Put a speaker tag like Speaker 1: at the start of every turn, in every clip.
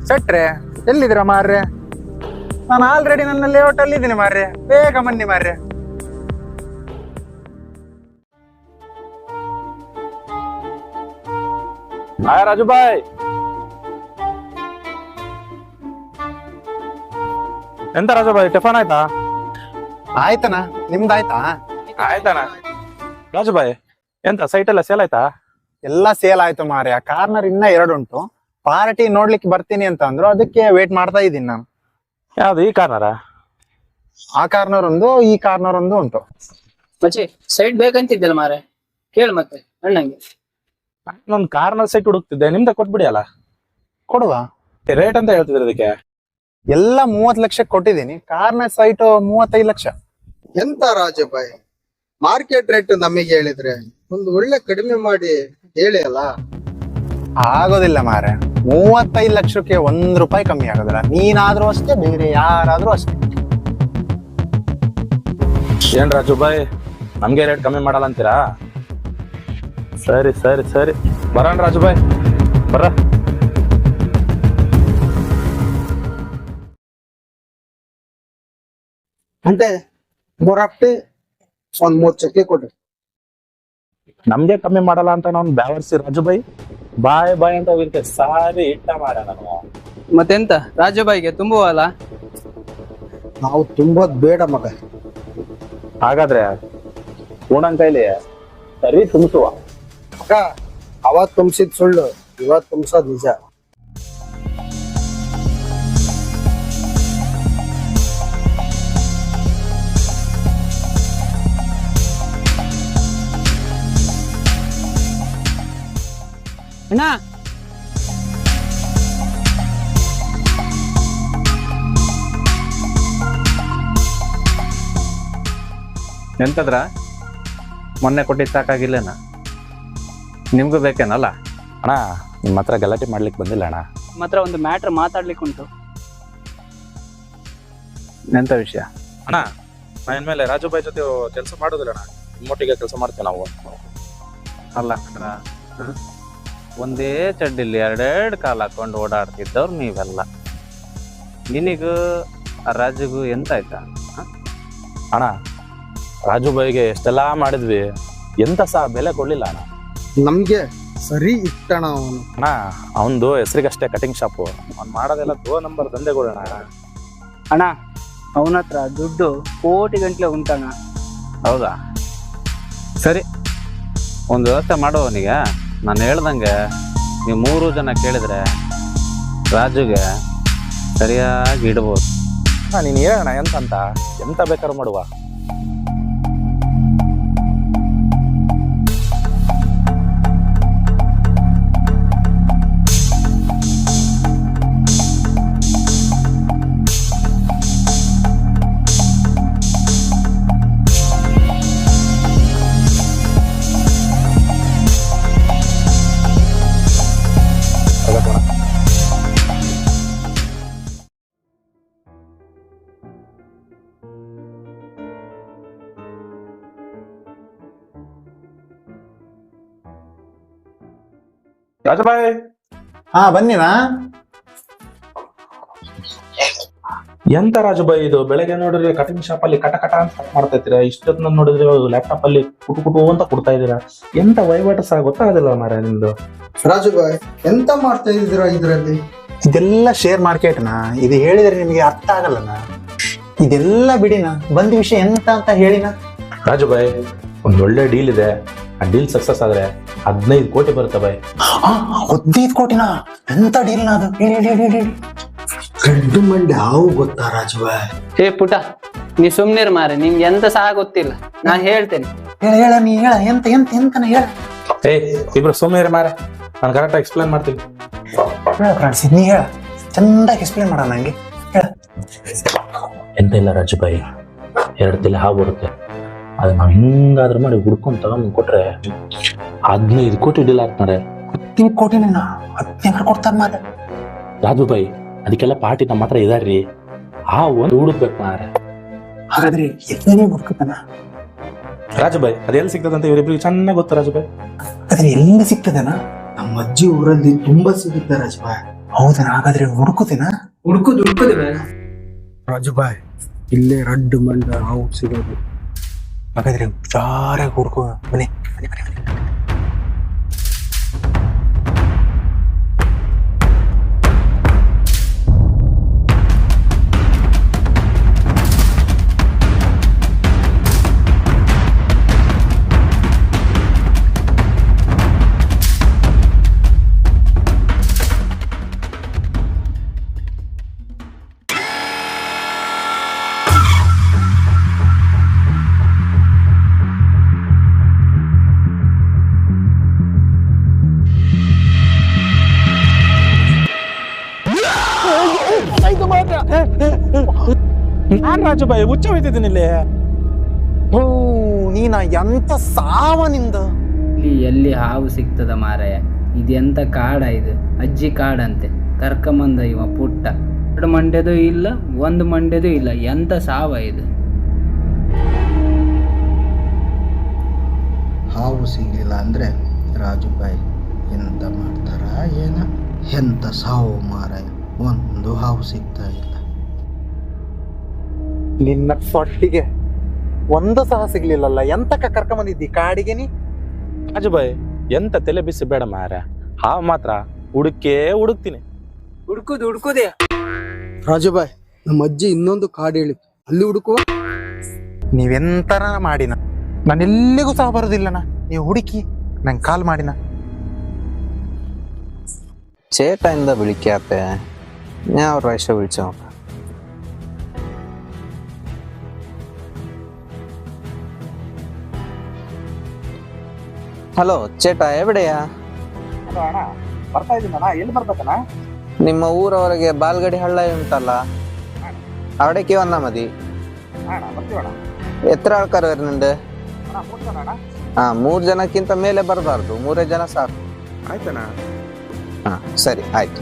Speaker 1: ಸೆಟ್ರೆ ಎಲ್ಲಿದ್ದೀರಾ ಮಾರ್ರೆ? ನಾನು ಆಲ್ರೆಡಿ ನನ್ನ ಲೇಔಟ್ ಅಲ್ಲಿ ಇದ್ದೀನಿ ಮಾರ್ರೆ, ಬೇಗ ಬನ್ನಿ ಮಾರ್ರೆ.
Speaker 2: ಹಾಯ್ ರಾಜು ಬಾಯ್. ಎಂತ ರಾಜು ಬಾಯ್, ಟಿಫನ್ ಆಯ್ತಾ?
Speaker 1: ಆಯ್ತನಾ, ನಿಮ್ದಾಯ್ತಾ?
Speaker 2: ಆಯ್ತಾನ. ರಾಜು ಬಾಯ್, ಎಂತ ಸೈಟ್ ಎಲ್ಲ ಸೇಲ್ ಆಯ್ತಾ?
Speaker 1: ಎಲ್ಲ ಸೇಲ್ ಆಯ್ತು ಮಾರ್ರೆ. ಕಾರ್ನರ್ ಇನ್ನ 2 ಉಂಟು. ಪಾರ್ಟಿ ನೋಡ್ಲಿಕ್ಕೆ ಬರ್ತೀನಿ ಅಂತ ಅಂದ್ರು, ಅದಕ್ಕೆ ವೇಟ್ ಮಾಡ್ತಾ ಇದ್ದೀನಿ ನಾನು.
Speaker 2: ಯಾವ್ದು, ಈ ಕಾರ್ನರ?
Speaker 1: ಆ ಕಾರ್ನರ್ ಒಂದು, ಈ ಕಾರ್ನರ್ ಒಂದು ಉಂಟು.
Speaker 3: ಮಚ್ಚಿ ಸೈಡ್ ಬೇಕಂತಿದ್ದಲ್ಲ ಮಾರೆ, ಕೇಳು ಮತ್ತೆ ಅಣ್ಣಂಗೆ.
Speaker 2: ನಾನೊಂದು ಕಾರ್ನರ್ ಸೈಟ್ ಹುಡುಕ್ತಿದ್ದೆ, ನಿಮ್ದ ಕೊಟ್ಬಿಡಿ ಅಲ್ಲ.
Speaker 1: ಕೊಡುವ
Speaker 2: ರೇಟ್ ಅಂತ ಹೇಳ್ತಿದ್ರೆ ಅದಕ್ಕೆ?
Speaker 1: ಎಲ್ಲ 30 ಲಕ್ಷ ಕೊಟ್ಟಿದ್ದೀನಿ. Corner site 35 lakh.
Speaker 4: ಎಂತ ರಾಜಭಾಯ್, ಮಾರ್ಕೆಟ್ ರೇಟ್ ನಮಗೆ ಹೇಳಿದ್ರೆ ಒಂದು ಒಳ್ಳೆ ಕಡಿಮೆ ಮಾಡಿ ಹೇಳಿ ಅಲ್ಲ.
Speaker 1: ಆಗೋದಿಲ್ಲ ಮಾರೆ, 35 ಲಕ್ಷಕ್ಕೆ 1 ರೂಪಾಯಿ ಕಮ್ಮಿ ಆಗೋದಿಲ್ಲ. ನೀನಾದ್ರೂ ಅಷ್ಟೇ, ಬೇರೆ ಯಾರಾದ್ರೂ ಅಷ್ಟೇ.
Speaker 2: ಏನ್ ರಾಜು ಬಾಯ್, ನಮ್ಗೆ ರೇಟ್ ಕಮ್ಮಿ ಮಾಡಲ್ಲ ಅಂತೀರಾ? ಸರಿ ಸರಿ ಸರಿ, ಬರೋಣ ರಾಜು ಬಾಯ್, ಬರ.
Speaker 4: అంటే 3 ಹಫ್ಟೆ ಒಂದ್ 3 ಚಕ್ಕೆ ಕೊಡ್ರಿ.
Speaker 2: ನಮ್ಗೆ ಕಮ್ಮಿ ಮಾಡಲ್ಲ ಅಂತ ನಾವು ಬ್ಯಾವರ್ಸಿ ರಾಜು ಬಾಯ್, ಬಾಯ್ ಬಾಯ್ ಅಂತ ಹೋಗಿರ್ತೆ. ಸಾರಿ ಇಟ್ಟ ಮಾಡ ನಾನು.
Speaker 3: ಮತ್ತೆಂತ ರಾಜುಬಾಯಿಗೆ ತುಂಬುವಲ್ಲ?
Speaker 4: ನಾವು ತುಂಬೋದ್ ಬೇಡ ಮಗ.
Speaker 2: ಹಾಗಾದ್ರೆ ಪೂರ್ಣನ್ ಕೈಲಿ ಸರಿ ತುಂಬಿಸುವ.
Speaker 4: ಮಗ, ಅವತ್ ತುಂಬಿಸಿದ್ ಸುಳ್ಳು, ಇವತ್ ತುಂಬಿಸೋದ್ ನಿಜ.
Speaker 3: ಅಣ್ಣ,
Speaker 5: ಎಂತದ್ರ ಮೊನ್ನೆ ಕೊಟ್ಟಿದ್ದು ಸಾಕಾಗಿಲ್ಲನ? ನಿಮ್ಗೂ ಬೇಕೇನಲ್ಲ?
Speaker 2: ಅಣ್ಣ, ನಿಮ್ಮ ಹತ್ರ ಗಲಾಟೆ ಮಾಡ್ಲಿಕ್ಕೆ ಬಂದಿಲ್ಲ ಅಣ್ಣ.
Speaker 3: ಮಾತ್ರ ಒಂದು ಮ್ಯಾಟ್ರ್ ಮಾತಾಡ್ಲಿಕ್ಕೆ ಉಂಟು.
Speaker 5: ಎಂತ ವಿಷಯ?
Speaker 2: ಅಣ್ಣ, ನಾನು ಇನ್ಮೇಲೆ ರಾಜು ಬಾಯ್ ಜೊತೆ ಕೆಲಸ ಮಾಡೋದಿಲ್ಲ ಅಣ್ಣ, ನಿಮ್ಮೊಟ್ಟಿಗೆ ಕೆಲಸ ಮಾಡ್ತೇವೆ ನಾವು.
Speaker 5: ಅಲ್ಲ ಕಣ, ಒಂದೇ ಚಡ್ಡಿಲಿ 2 ಕಾಲು ಹಾಕೊಂಡು ಓಡಾಡ್ತಿದ್ದವ್ರು ನೀವೆಲ್ಲ. ನಿನಗೂ ಆ ರಾಜುಗೂ ಎಂತ ಆಯ್ತಾ?
Speaker 2: ಅಣ್ಣ, ರಾಜು ಬಾಯ್ಗೆ ಎಷ್ಟೆಲ್ಲ ಮಾಡಿದ್ವಿ, ಎಂತ ಸಹ ಬೆಲೆ ಕೊಡ್ಲಿಲ್ಲ ಅಣ್ಣ.
Speaker 4: ನಮ್ಗೆ ಸರಿ ಇಟ್ಟಣ ಅವನು.
Speaker 2: ಅಣ್ಣ, ಅವನದು ಹೆಸರಿಗಷ್ಟೇ ಕಟಿಂಗ್ ಶಾಪು, ಅವ್ನು ಮಾಡೋದೆಲ್ಲ 2 ನಂಬರ್ ದಂಧೆಗಳು ಅಣ್ಣ.
Speaker 3: ಅಣ್ಣ, ಅವನ ಹತ್ರ ದುಡ್ಡು ಕೋಟಿ ಗಂಟ್ಲೆ ಉಂಟಣ್ಣ.
Speaker 5: ಹೌದಾ? ಸರಿ, ಒಂದು ವ್ಯವಸ್ಥೆ ಮಾಡುವವನಿಗೆ ನಾನು ಹೇಳ್ದಂಗೆ ನೀವು 3 ಜನ ಕೇಳಿದ್ರೆ ರಾಜುಗೆ ಸರಿಯಾಗಿ ಇಡ್ಬೋದು.
Speaker 2: ಅಣ್ಣ, ನೀನು ಹೇಳೋಣ ಎಂತ ಎಂತ ಬೇಕಾದ್ರೂ ಮಾಡುವ. ರಾಜಬಾಯ್,
Speaker 1: ಹಾ ಬನ್ನಿನಾ.
Speaker 2: ಎಂತ ರಾಜುಬಾಯ್ ಇದು? ಬೆಳಗ್ಗೆ ನೋಡಿದ್ರೆ ಕಟಿಂಗ್ ಶಾಪ್ ಅಲ್ಲಿ ಕಟ ಕಟ ಅಂತ ಮಾಡ್ತಾ ಇದ್ದೀರಾ, ಇಷ್ಟೊತ್ತಿನ ನೋಡಿದ್ರೆ ಲ್ಯಾಪ್ಟಾಪ್ ಅಲ್ಲಿ ಕುಟು ಕುಟು ಅಂತ ಕೊಡ್ತಾ ಇದ್ದೀರಾ. ಎಂತ ವಹಿವಾಟು ಸಹ ಗೊತ್ತಾಗೋದಿಲ್ಲ ಮಾರ ನಿಮ್ದು.
Speaker 4: ರಾಜಭಾಯ್, ಎಂತ ಮಾಡ್ತಾ ಇದ್ದೀರಾ ಇದ್ರಲ್ಲಿ?
Speaker 1: ಇದೆಲ್ಲ ಶೇರ್ ಮಾರ್ಕೆಟ್ನಾ, ಇದು ಹೇಳಿದ್ರೆ ನಿಮಗೆ ಅರ್ಥ ಆಗಲ್ಲನಾ. ಇದೆಲ್ಲ ಬಿಡಿನ, ಬಂದ ವಿಷಯ ಎಂತ ಅಂತ ಹೇಳಿನ.
Speaker 2: ರಾಜುಬಾಯ್, ಒಂದ್ ಒಳ್ಳೆ ಡೀಲ್ ಇದೆ, ಆ ಡೀಲ್ ಸಕ್ಸಸ್ ಆದ್ರೆ 15 ಕೋಟಿ ಬರುತ್ತೆ ಬಾಯ್.
Speaker 1: 15 ಕೋಟಿನಾ? ಎಂತ ಡೀಲ್ನ ಅದು? ಹೇಳಿ ಹೇಳಿ ಹೇಳಿ ಹೇಳಿ.
Speaker 4: ಗಂಡು ಮಂಡಿ ಹಾವು ಗೊತ್ತಾ ರಾಜಭಾಯ್?
Speaker 3: ಹೇ ಪುಟ, ನೀ ಸುಮ್ನಿರ್ ಮಾರೆ, ನಿಮ್ಗೆ ಎಂತ ಸಹ ಗೊತ್ತಿಲ್ಲ, ನಾನ್ ಹೇಳ್ತೇನೆ.
Speaker 1: ಹೇಳ ಹೇಳ, ನೀ ಹೇಳ, ಎಂತ ಎಂತ ಎಂತನ ಹೇಳ.
Speaker 2: ಇಬ್ರು ಸುಮ್ಮನೆ ಮಾರ, ನಾನು ಕರೆಕ್ಟ್ ಎಕ್ಸ್ಪ್ಲೇನ್ ಮಾಡ್ತೀನಿ.
Speaker 1: ಹೇಳ ಫ್ರೆಂಡ್ಸ್, ನೀ ಹೇಳ, ಚಂದಾಗಿ ಎಕ್ಸ್ಪ್ಲೇನ್ ಮಾಡ ನಂಗೆ, ಹೇಳ.
Speaker 2: ಎಂತ ಇಲ್ಲ ರಾಜುಬಾಯಿ, 2 ತಲೆ ಹಾವು ಬರುತ್ತೆ, ಅದು ನಾವು ಹಿಂಗಾದ್ರೂ ಮಾಡಿ ಹುಡ್ಕೊಂಡು ತಗೊಂಡ್ ಕೊಟ್ರೆ 15 ಕೋಟಿ ಡೀಲ್ ಆಗ್ತಾರೆ.
Speaker 1: 15 ಕೋಟಿನ 15 ಕೊಡ್ತಾರ ಮಾರ.
Speaker 2: ರಾಜುಬಾಯಿ, ಅದಕ್ಕೆಲ್ಲ ಪಾರ್ಟಿ ನಮ್ಮ ಹತ್ರ ಇದಾರ್ರಿ, ಆ ಒಂದು ಹುಡುಕ್ಬೇಕು ಮಾರೆ.
Speaker 1: ಹಾಗಾದ್ರೆ ಎಲ್ಲಿ ಹುಡುಕತಾನ
Speaker 2: ರಾಜುಬಾಯಿ? ಅದೆಲ್ಲಿ ಸಿಗ್ತದಂತ ಇವರಿಬ್ರಿಗೆ ಚೆನ್ನಾಗಿ ಗೊತ್ತು ರಾಜುಬಾಯಿ.
Speaker 1: ಆದ್ರೆ ಎಲ್ಲಿ ಸಿಗ್ತದನ?
Speaker 4: ನಮ್ಮ ಅಜ್ಜಿ ಊರಲ್ಲಿ ತುಂಬಾ ಸಿಗುತ್ತೆ ರಾಜಭಾಯ್.
Speaker 1: ಹೌದಾ? ಹಾಗಾದ್ರೆ ಹುಡುಕುದಿನ?
Speaker 3: ಹುಡ್ಕುದು
Speaker 4: ರಾಜುಬಾಯ್, ಇಲ್ಲೇ ರಡ್ಡು ಮಂಡ ಹಾವು ಸಿಗೋದು.
Speaker 1: ಹಾಗಾದ್ರೆ ಹುಷಾರಾಗಿ ಹುಡುಕುವ. ಬನ್ನಿ.
Speaker 2: ನಾನ್ ರಾಜುಬಾಯಿ ಹುಚ್ಚ ಹೋಯ್ತಿದ್ದೀನಿ ಇಲ್ಲಿ.
Speaker 1: ಓ, ನೀನ ಎಂತ ಸಾವನಿಂದ.
Speaker 3: ಇಲ್ಲಿ ಎಲ್ಲಿ ಹಾವು ಸಿಗ್ತದ ಮಾರಾಯ? ಇದೆಂತ ಕಾಡ ಇದು? ಅಜ್ಜಿ ಕಾಡಂತೆ. ಕರ್ಕಂಬಂದ ಇವ ಪುಟ್ಟ. 2 ಮಂಡ್ಯದೂ ಇಲ್ಲ, 1 ಮಂಡ್ಯದೂ ಇಲ್ಲ. ಎಂತ ಸಾವ ಇದು?
Speaker 4: ಹಾವು ಸಿಗ್ಲಿಲ್ಲ ಅಂದ್ರೆ ರಾಜುಬಾಯ್ ಎಂತ ಮಾಡ್ತಾರ ಏನ? ಎಂತ ಸಾವು ಮಾರಾಯ, ಒಂದು ಹಾವು ಸಿಗ್ತಾ ಇಲ್ಲ.
Speaker 1: ನಿನ್ನ ಸೊಟ್ಟಿಗೆ ಒಂದು ಸಹ ಸಿಗ್ಲಿಲ್ಲಲ್ಲ, ಎಂತಕ್ಕ ಕರ್ಕೊಂಬಂದಿದ್ದಿ ಕಾಡಿಗೆ ನೀ?
Speaker 2: ರಾಜುಬಾಯಿ ಎಂತ ತಲೆ ಬಿಸಿ ಬೇಡ ಮಾರ. ಹಾವು ಮಾತ್ರ ಹುಡುಕ್ತೀನಿ.
Speaker 3: ಹುಡ್ಕುದೇ.
Speaker 4: ರಾಜುಬಾಯ್, ನಮ್ಮ ಅಜ್ಜಿ ಇನ್ನೊಂದು ಕಾಡು ಹೇಳಿತ್ತು, ಅಲ್ಲಿ ಹುಡುಕುವ.
Speaker 1: ನೀವೆಂತರ ಮಾಡಿನ, ನಾನೆಲ್ಲಿಗೂ ಸಹ ಬರುದಿಲ್ಲನ. ನೀವು ಹುಡುಕಿ ನಂಗೆ ಕಾಲ್ ಮಾಡಿನ.
Speaker 6: ചേട്ടാ വിളിക്കാത്ത? ഞാൻ ഒരു പ്രാവശ്യം വിളിച്ചു നോക്കാം. ಹಲೋ ചേട്ടാ, ಎವಿಡೆಯಾ?
Speaker 2: ಬರ್ತಾ ಇದ್ದೀನಣ್ಣ. ಎಲ್ಲಿ ಬರ್ಬೇಕಣ್ಣ?
Speaker 6: ನಿಮ್ಮ ಊರವರೆಗೆ ಬಾಲ್ಗಡಿ ಹಳ್ಳ ಉಂಟಲ್ಲ, അവിടേക്ക് വന്നാ മതി.
Speaker 2: ಬರ್ತೀವಣ್ಣ.
Speaker 6: എത്ര ആൾക്കാർ വരുന്നുണ്ട്? 3 ಜನಕ್ಕಿಂತ ಮೇಲೆ ಬರಬಾರ್ದು, 3 ಜನ ಸಾಕು.
Speaker 2: ಆಯ್ತಣ್ಣ.
Speaker 6: ಸರಿ ಆಯ್ತು.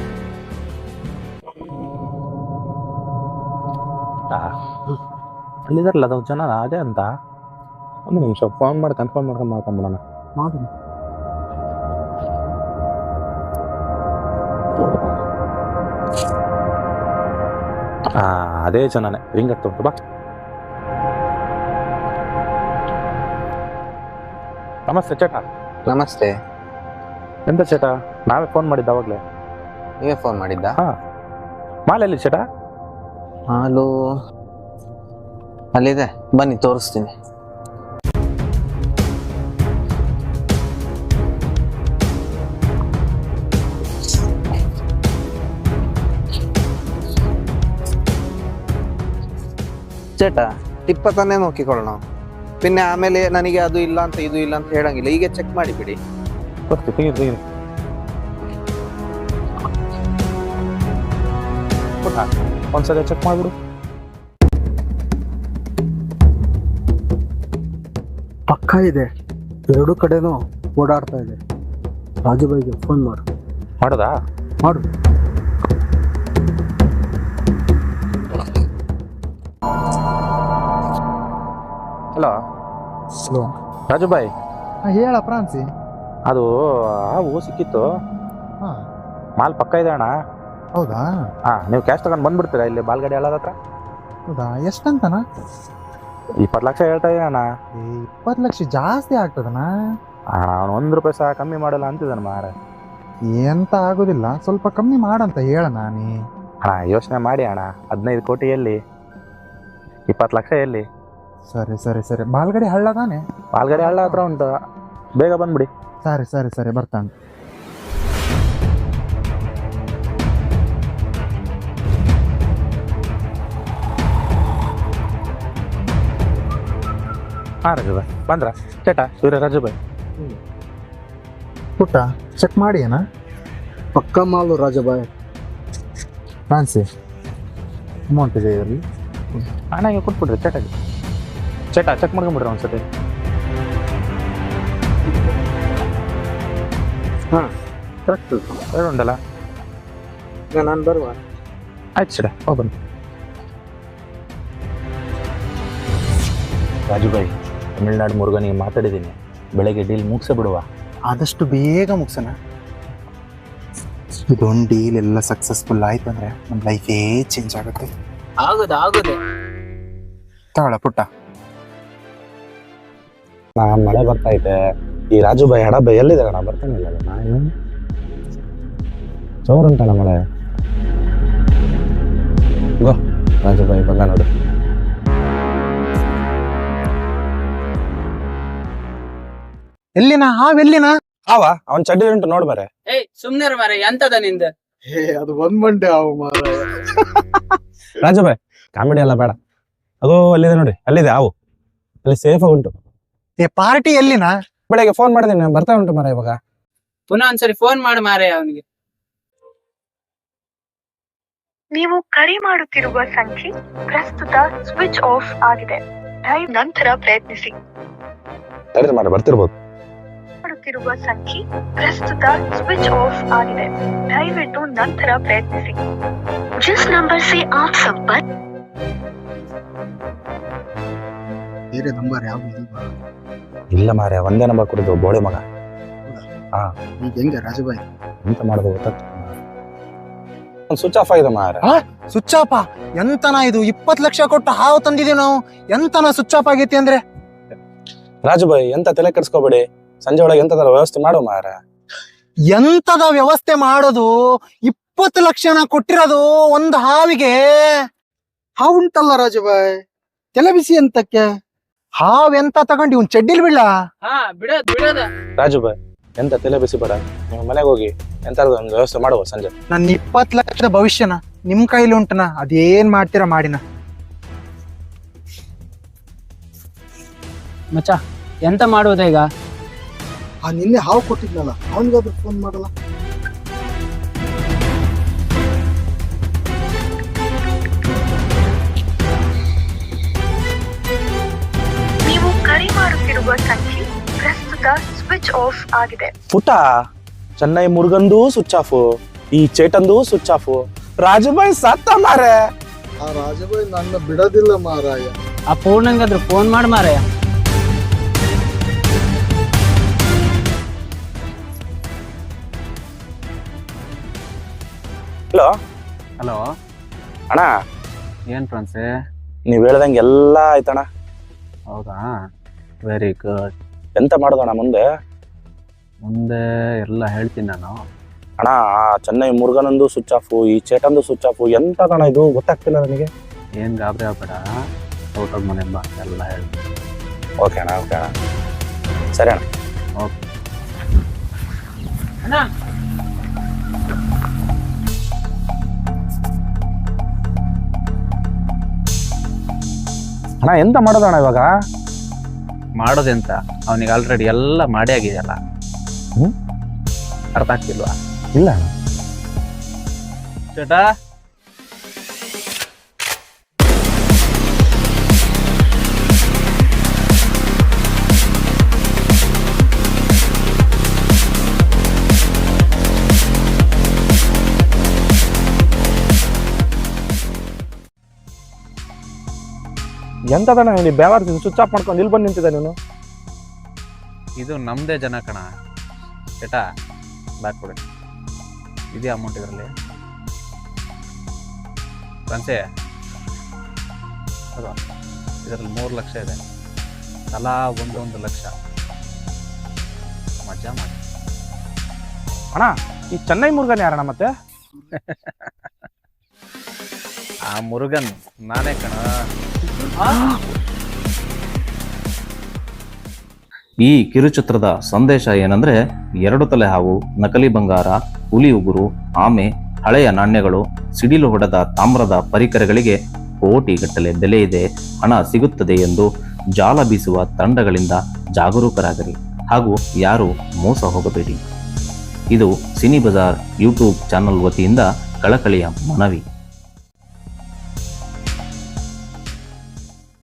Speaker 2: ಅಲ್ಲಿದಾರಲ್ಲ ಅದು ಜನ ಅದೇ ಅಂತ. ಒಂದು ನಿಮಿಷ ಫೋನ್ ಮಾಡಿ ಕನ್ಫರ್ಮ್ ಮಾಡ್ಕೊಂಡ್ಬಿಡೋಣ. ಅದೇ ಜನನೇ ರಿಂಗ್ ಆಗ್ತಾ ಉಂಟು. ಬಾ. ನಮಸ್ತೆ ಚೇಟ.
Speaker 6: ನಮಸ್ತೆ.
Speaker 2: ಎಂತ ಚೇಟ? ನಾವೇ ಫೋನ್ ಮಾಡಿದ್ದ ಅವಾಗ್ಲೇ.
Speaker 6: ನೀವೇ ಫೋನ್ ಮಾಡಿದ್ದ?
Speaker 2: ಮಾಲೆಲ್ಲಿ ಚೇಟ?
Speaker 6: ಹಾಲು ಅಲ್ಲಿದೆ, ಬನ್ನಿ ತೋರಿಸ್ತೀನಿ. ചേട്ടാ, ಟಿಪ್ಪ ತಾನೇ ನೋಕಿಕೊಳ್ಳೋಣ. പിന്നെ ಆಮೇಲೆ ನನಗೆ ಅದು ಇಲ್ಲ ಅಂತ ಇದು ಇಲ್ಲ ಅಂತ ಹೇಳಂಗಿಲ್ಲ. ಈಗ ಚೆಕ್ ಮಾಡಿ ಬಿಡಿ.
Speaker 2: ಒಂದ್ಸಲ ಚೆಕ್ ಮಾಡ್ಬಿಡು.
Speaker 4: ಪಕ್ಕ ಇದೆ, 2 ಕಡೆನೂ ಓಡಾಡ್ತಾ ಇದೆ. ರಾಜುಬಾಯಿಗೆ ಫೋನ್
Speaker 2: ಮಾಡೋದಾ?
Speaker 4: ಮಾಡು.
Speaker 2: ಹಲೋ ರಾಜುಬಾಯಿ.
Speaker 1: ಹೇಳ ಫ್ರಾನ್ಸಿ.
Speaker 2: ಅದು ಹಾವು ಸಿಕ್ಕಿತ್ತು.
Speaker 1: ಹಾ,
Speaker 2: ಮಾಲ್ ಪಕ್ಕ ಇದೆ ಅಣ್ಣ.
Speaker 1: ಹೌದಾ?
Speaker 2: ನೀವು ಕ್ಯಾಶ್ ತಗೊಂಡು ಬಂದ್ಬಿಡ್ತೀರಾ ಇಲ್ಲಿ ಬಾಲ್ಗಡಿ ಹಳ್ಳದ ಹತ್ರ?
Speaker 1: ಹೌದಾ? ಎಷ್ಟಂತನ?
Speaker 2: 20 ಲಕ್ಷ ಹೇಳ್ತಾ ಇದ್ದಾನ.
Speaker 1: 20 ಲಕ್ಷ ಜಾಸ್ತಿ ಆಗ್ತದನ?
Speaker 2: ಅವನು 1 ರೂಪಾಯಿ ಸಹ ಕಮ್ಮಿ ಮಾಡಲ್ಲ ಅಂತಿದ್ದಾನೆ ಮಾರ.
Speaker 1: ಎಂತ ಆಗುದಿಲ್ಲ, ಸ್ವಲ್ಪ ಕಮ್ಮಿ ಮಾಡಂತ ಹೇಳ ನಾನಿ.
Speaker 2: ಯೋಚನೆ ಮಾಡಿ ಅಣ್ಣ. 15 ಕೋಟಿ ಎಲ್ಲಿ, 20 ಲಕ್ಷ ಎಲ್ಲಿ?
Speaker 1: ಸರಿ ಸರಿ ಸರಿ, ಬಾಲ್ಗಡಿ ಹಳ್ಳ ತಾನೆ?
Speaker 2: ಬಾಲ್ಗಡಿ ಹಳ್ಳ ಹತ್ರ ಉಂಟು, ಬೇಗ ಬಂದ್ಬಿಡಿ.
Speaker 1: ಸರಿ ಸರಿ ಸರಿ, ಬರ್ತಾನೆ.
Speaker 2: ರಾಜುಬಾಯ್ ಬಂದ್ರ? ಚೇಟ ಇವ್ರೆ ರಾಜುಬಾಯ್.
Speaker 1: ಪುಟ್ಟ ಚೆಕ್ ಮಾಡಿ ಏನ?
Speaker 4: ಪಕ್ಕ ಮಾಲು ರಾಜುಬಾಯ್.
Speaker 1: ಫ್ರಾನ್ಸಿ, ಅಮೌಂಟ್ ಇದೆ ಇದರಲ್ಲಿ.
Speaker 2: ಹಣ ಕೊಟ್ಬಿಡ್ರಿ ಚೇಟಾಗಿ. ಚೇಟ ಚೆಕ್ ಮಾಡ್ಕೊಂಡ್ಬಿಡ್ರಿ ಒಂದ್ಸತಿ.
Speaker 4: ಕರೆಕ್ಟ್
Speaker 2: ಉಂಟಲ್ಲ?
Speaker 4: ನಾನು ಬರುವ.
Speaker 2: ಆಯ್ತು ಚೇಟ, ಹೋಗ್ಬನ್ನಿ. ರಾಜುಬಾಯ್, ತಮಿಳ್ನಾಡು ಮುರುಗನಿಗೆ ಮಾತಾಡಿದ್ದೀನಿ, ಬೆಳಗ್ಗೆ ಡೀಲ್ ಮುಗಿಸೇ ಬಿಡುವ.
Speaker 1: ಆದಷ್ಟು ಬೇಗ ಮುಗಿಸೋಣ. ಇದೊಂದು ಡೀಲ್ ಎಲ್ಲ ಸಕ್ಸಸ್ಫುಲ್ ಆಯ್ತು ಅಂದ್ರೆ ನಮ್ಮ ಲೈಫೇ ಚೇಂಜ್ ಆಗುತ್ತೆ.
Speaker 3: ಆಗುದು
Speaker 1: ತಗೊಳ ಪುಟ್ಟ.
Speaker 2: ಮಳೆ ಬರ್ತಾ ಐತೆ. ಈ ರಾಜು ಬಾಯಿ ಹಡ ಬಾಯಿ ಎಲ್ಲಿದೆ ಅಣ್ಣ? ಬರ್ತಾನೆ ಇಲ್ಲ ನಾನು ಜೋರುಂಟಣ ಮಳೆ. ಗೋ ರಾಜು ಬಾಯಿ ಬಂದ ನೋಡು.
Speaker 1: ಎಲ್ಲಿನ ಹಾವೆಲ್ಲಿನ?
Speaker 2: ಅವನ್ ಚಡ್ಡಿ ಉಂಟು ನೋಡ್ ಬರೆ.
Speaker 3: ಏಯ್ ಸುಮ್ನೆ ಮಾರೆ, ಎಂತದ ನಿಂದ?
Speaker 4: ಅದು ಒಂದ್ ಮಂಡೆ ಹಾವು ಮಾರಾಯ.
Speaker 2: ರಾಜು ಬಾಯ್ ಕಾಮಿಡಿ ಎಲ್ಲ ಬೇಡ. ಅದೋ ಅಲ್ಲಿದೆ ನೋಡಿ, ಅಲ್ಲಿದೆ ಹಾವು, ಅಲ್ಲಿ ಸೇಫ್ ಆಗಿ ಉಂಟು.
Speaker 1: ಪಾರ್ಟಿ ಎಲ್ಲಿನ?
Speaker 2: ಬೆಳಗ್ಗೆ ಫೋನ್ ಮಾಡಿದ್ದೀನಿ, ಬರ್ತಾ ಉಂಟು ಮರ ಇವಾಗ.
Speaker 3: ಪುನಃ ಒಂದ್ಸರಿ ಫೋನ್ ಮಾಡು ಮಾರೆ ಅವನಿಗೆ.
Speaker 7: ನೀವು ಕರೆ ಮಾಡುತ್ತಿರುವ ಸಂಖ್ಯೆ ಪ್ರಸ್ತುತ ಸ್ವಿಚ್ ಆಫ್ ಆಗಿದೆ. ನಂತರ ಪ್ರಯತ್ನಿಸಿ.
Speaker 2: ಮರ ಬರ್ತಿರ್ಬೋದು.
Speaker 7: ಮಾಡುತ್ತಿರುವ ಸಂಖ್ಯೆ ಪ್ರಸ್ತುತ ಸ್ವಿಚ್ ಆಫ್ ಆಗಿದೆ. ದಯವಿಟ್ಟು ನಂತರ ಪ್ರಯತ್ನಿಸಿ. ಜಿಸ್ ನಂಬರ್ ಸೆ ಆಪ್ ಸಂಪರ್ಕ.
Speaker 4: ಬೇರೆ ನಂಬರ್ ಯಾವ್ದು ಇಲ್ವಾ?
Speaker 2: ಇಲ್ಲ ಮಾರ್ಯ, ಒಂದೇ ನಂಬರ್ ಕೊಡಿದ್ದು ಬೋಳೆ ಮಗ.
Speaker 4: ಈಗ ಹೆಂಗೆ ರಾಜುಬಾಯಿ?
Speaker 2: ಎಂತ ಮಾಡೋದು ಗೊತ್ತಾಗ್ತದೆ. ಸ್ವಿಚ್ ಆಫ್ ಆಗಿದೆ ಮಾರ.
Speaker 1: Switch off? ಎಂತನ ಇದು? 20 ಲಕ್ಷ ಕೊಟ್ಟು ಹಾವು ತಂದಿದೀವಿ ನಾವು, ಎಂತನ ಸ್ವಿಚ್ ಆಫ್ ಆಗೈತಿ ಅಂದ್ರೆ?
Speaker 2: ರಾಜುಬಾಯಿ ಎಂತ ತಲೆ ಕೆಡಿಸ್ಕೋಬೇಡಿ, ಸಂಜೆ ಒಳಗೆ ಎಂತದರ ವ್ಯವಸ್ಥೆ ಮಾಡು ಮಾರ.
Speaker 1: ಎಂತದ ವ್ಯವಸ್ಥೆ ಮಾಡೋದು? 20 ಲಕ್ಷನ ಕೊಟ್ಟಿರೋದು ಒಂದು ಹಾವಿಗೆ.
Speaker 4: ಹಾವುಂಟಲ್ಲ ರಾಜುಬಾಯಿ, ತಲೆ ಬಿಸಿ ಅಂತಕ್ಕೆ.
Speaker 1: ಹಾವ್ ಎಂತ ತಗೊಂಡು ಇವ್ನ್ ಚಡ್ಡಿಲ್ ಬಿಡ್ಲ?
Speaker 3: ಹಾ ಬಿಡದ.
Speaker 2: ರಾಜುಬಾಯಿ ಎಂತ ತಲೆ ಬಿಸಿ ಬೇಡ, ನೀವು ಮನೆಗೆ ಹೋಗಿ ಎಂತಾದ್ರು ಒಂದು ವ್ಯವಸ್ಥೆ ಮಾಡುವ ಸಂಜೆ.
Speaker 1: ನನ್ನ 20 ಲಕ್ಷದ ಭವಿಷ್ಯನ ನಿಮ್ ಕೈಲಿ ಉಂಟನ, ಅದೇನ್ ಮಾಡ್ತೀರಾ ಮಾಡಿನ.
Speaker 3: ಮಚ್ಚ ಎಂತ ಮಾಡುವುದ ಈಗ?
Speaker 4: ನಿನ್ನೆ ಹಾವು ಕೊಟ್ಟಿದ್ನಲ್ಲ, ಅವನಿಗಾದ್ರೂ ಫೋನ್ ಮಾಡಲ್ಲ.
Speaker 7: ನೀವು ಕರೆ ಮಾಡುತ್ತಿರುವ ಸಂಖ್ಯೆ ಪ್ರಸ್ತುತ ಸ್ವಿಚ್ ಆಫ್ ಆಗಿದೆ.
Speaker 2: ಪುಟ, ಚೆನ್ನೈ ಮುರುಗಂದು ಸ್ವಿಚ್ ಆಫ್, ಈ ಚೇಟಂದು ಸ್ವಿಚ್ ಆಫ್. ರಾಜುಬಾಯಿ ಸತ್ತ ಮಾರೆ.
Speaker 4: ಆ ರಾಜುಬಾಯಿ ನನ್ನ ಬಿಡೋದಿಲ್ಲ ಮಾರಾಯ.
Speaker 3: ಆ ಪೂರ್ಣಂಗಾದ್ರು ಫೋನ್ ಮಾಡು ಮಾರಾಯ.
Speaker 2: ಹಲೋ
Speaker 5: ಹಲೋ
Speaker 2: ಅಣ್ಣ,
Speaker 5: ಏನ್ ಫ್ರೆಂಡ್ಸೇ?
Speaker 2: ನೀವ್ ಹೇಳ್ದಂಗೆ ಎಲ್ಲ ಆಯ್ತಣ್ಣ.
Speaker 5: ಹೌದಾ, ವೆರಿ ಗುಡ್.
Speaker 2: ಎಂತ ಮಾಡೋದಣ್ಣ ಮುಂದೆ?
Speaker 5: ಮುಂದೆ ಎಲ್ಲ ಹೇಳ್ತೀನಿ ನಾನು.
Speaker 2: ಅಣ್ಣ, ಆ ಚೆನ್ನೈ ಮುರುಗನಂದು ಸ್ವಿಚ್ ಆಫ್, ಈ ಚೇಟಂದು ಸ್ವಿಚ್ ಆಫ್, ಎಂತದಣ್ಣ ಇದು ಗೊತ್ತಾಗ್ತಿಲ್ಲ ನನಗೆ.
Speaker 5: ಏನ್ ಗಾಬರಿ ಆಗ್ಬೇಡ, ಔಟ್ ಆಫ್ ಮನೆ ಬಾ, ಎಲ್ಲ ಹೇಳ್ತೀನಿ.
Speaker 2: ಓಕೆ ಅಣ್ಣ, ಓಕೆ ಅಣ್ಣ, ಸರಿ ಅಣ್ಣ.
Speaker 5: ಓಕೆ
Speaker 3: ಅಣ್ಣ,
Speaker 2: ಅಣ್ಣ ಎಂತ ಮಾಡೋದಣ್ಣ ಇವಾಗ?
Speaker 5: ಮಾಡೋದೆಂತ, ಅವನಿಗೆ ಆಲ್ರೆಡಿ ಎಲ್ಲ ಮಾಡಿ ಆಗಿದೆಯಲ್ಲ. ಅರ್ಥ ಆಗ್ತಿಲ್ವಾ?
Speaker 2: ಇಲ್ಲ ಅಣ್ಣ.
Speaker 5: ಚೇಟಾ,
Speaker 2: ಎಂತದಣ್ಣ ನೀವು ಬೇವಾರ್ತೀನಿ ಸ್ವಿಚ್ ಆಫ್ ಮಾಡ್ಕೊಂಡು ಇಲ್ಲಿ ಬಂದು ನಿಂತಿದ್ದ ನೀನು?
Speaker 5: ಇದು ನಮ್ದೇ ಜನ ಕಣ. ಚೇಟಾ, ಬ್ಯಾಕ್ ಕೊಡಿ. ಇದೇ ಅಮೌಂಟ್ ಇದರಲ್ಲಿ. ಫ್ರೆಂಡ್ಸೇ, ಅದು ಇದರಲ್ಲಿ 3 ಲಕ್ಷ ಇದೆ. ತಲಾ 1 ಲಕ್ಷ. ಮಜಾ ಮಾಡಿ.
Speaker 2: ಅಣ್ಣ, ಈ ಚೆನ್ನೈ ಮುರುಗನ್ ಯಾರಣ್ಣ ಮತ್ತೆ?
Speaker 5: ಆ ಮುರುಗನ್ ನಾನೇ ಕಣ. ಈ ಕಿರುಚಿತ್ರದ ಸಂದೇಶ ಏನಂದ್ರೆ, 2 ತಲೆ ಹಾವು, ನಕಲಿ ಬಂಗಾರ, ಹುಲಿ ಉಗುರು, ಆಮೆ, ಹಳೆಯ ನಾಣ್ಯಗಳು, ಸಿಡಿಲು ಹೊಡೆದ ತಾಮ್ರದ ಪರಿಕರಗಳಿಗೆ ಕೋಟಿಗಟ್ಟಲೆ ಬೆಲೆ ಇದೆ, ಹಣ ಸಿಗುತ್ತದೆ ಎಂದು ಜಾಲ ಬೀಸುವ ತಂಡಗಳಿಂದ ಜಾಗರೂಕರಾಗಿರಿ ಹಾಗೂ ಯಾರು ಮೋಸ ಹೋಗಬೇಡಿ. ಇದು ಸಿನಿ ಬಜಾರ್ ಯೂಟ್ಯೂಬ್ ಚಾನಲ್ ವತಿಯಿಂದ ಕಳಕಳಿಯ ಮನವಿ.